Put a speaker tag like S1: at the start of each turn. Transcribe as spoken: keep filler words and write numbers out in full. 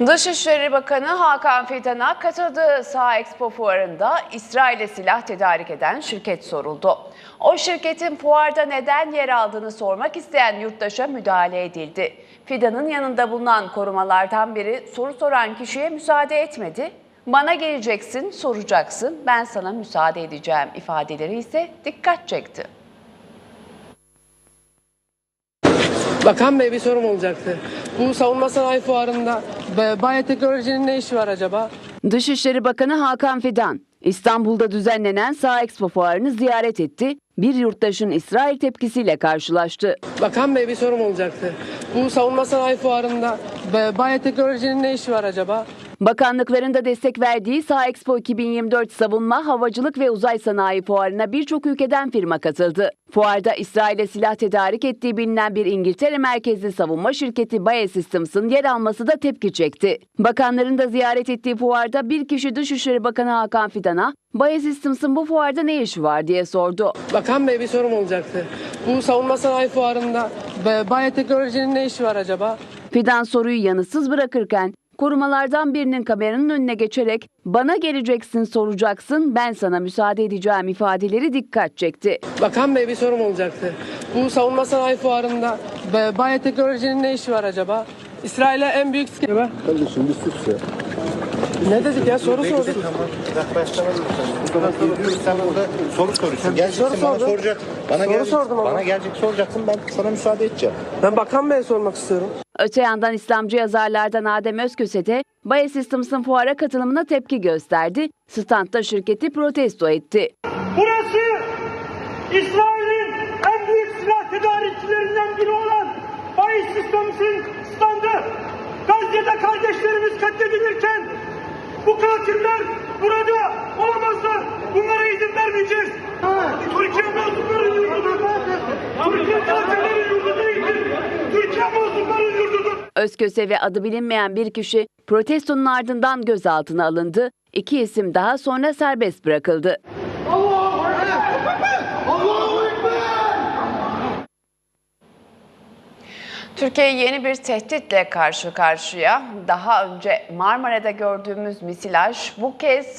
S1: Dışişleri Bakanı Hakan Fidan'a katıldığı Sağ-Expo fuarında İsrail'e silah tedarik eden şirket soruldu. O şirketin fuarda neden yer aldığını sormak isteyen yurttaşa müdahale edildi. Fidan'ın yanında bulunan korumalardan biri soru soran kişiye müsaade etmedi. "Bana geleceksin, soracaksın, ben sana müsaade edeceğim" ifadeleri ise dikkat çekti.
S2: Bakan Bey, bir sorum olacaktı. Bu savunma sanayi fuarında biyoteknolojinin ne işi var acaba?
S1: Dışişleri Bakanı Hakan Fidan, İstanbul'da düzenlenen Sağ-Expo fuarını ziyaret etti. Bir yurttaşın İsrail tepkisiyle karşılaştı.
S2: Bakan Bey, bir sorum olacaktı. Bu savunma sanayi fuarında biyoteknolojinin ne işi var acaba?
S1: Bakanlıkların da destek verdiği Sağ-Expo iki bin yirmi dört Savunma, Havacılık ve Uzay Sanayi Fuarı'na birçok ülkeden firma katıldı. Fuarda İsrail'e silah tedarik ettiği bilinen bir İngiltere merkezli savunma şirketi Bae Systems'ın yer alması da tepki çekti. Bakanların da ziyaret ettiği fuarda bir kişi Dışişleri Bakanı Hakan Fidan'a Bae Systems'ın bu fuarda ne işi var diye sordu.
S2: Bakan Bey, bir sorum olacaktı. Bu savunma sanayi fuarında biyoteknolojinin ne işi var acaba?
S1: Fidan soruyu yanıtsız bırakırken korumalardan birinin kameranın önüne geçerek "Bana geleceksin, soracaksın, ben sana müsaade edeceğim" ifadeleri dikkat çekti.
S2: Bakan Bey, bir sorum olacaktı. Bu savunma sanayi fuarında biyoteknolojinin ne işi var acaba? İsrail'e en büyük...
S3: Kardeşim bir sus ya.
S2: Ne dedik ya? Soru sorduk.
S3: Tamam. Yaklaştıralım. Sen burada soru soruyorsun. Geleceksin
S2: soru
S3: bana
S2: sordum.
S3: soracak. Bana
S2: Soru
S3: gelecek,
S2: sordum ama.
S3: Bana gelecek soracaksın, ben sana müsaade edeceğim.
S2: Ben Bakan Bey'e sormak istiyorum.
S1: Öte yandan İslamcı yazarlardan Adem Özköse de Bae Systems'ın fuara katılımına tepki gösterdi. Standta şirketi protesto etti.
S4: Burası İsrail'in en büyük silah tedarikçilerinden biri olan Bae Systems'in standı. Gazze'de kardeşlerimiz katledilirken bu katiller burada olamazlar. Bunlara izin vermeyeceğiz. Türkiye mazlumların yurdudur. Türkiye katillerin yurdu değildir. Türkiye mazlumların yurdudur.
S1: Özköse ve adı bilinmeyen bir kişi protestonun ardından gözaltına alındı. İki isim daha sonra serbest bırakıldı.
S4: Allahu Ekber! Allahu Ekber!
S1: Türkiye yeni bir tehditle karşı karşıya. Daha önce Marmara'da gördüğümüz misilaj bu kez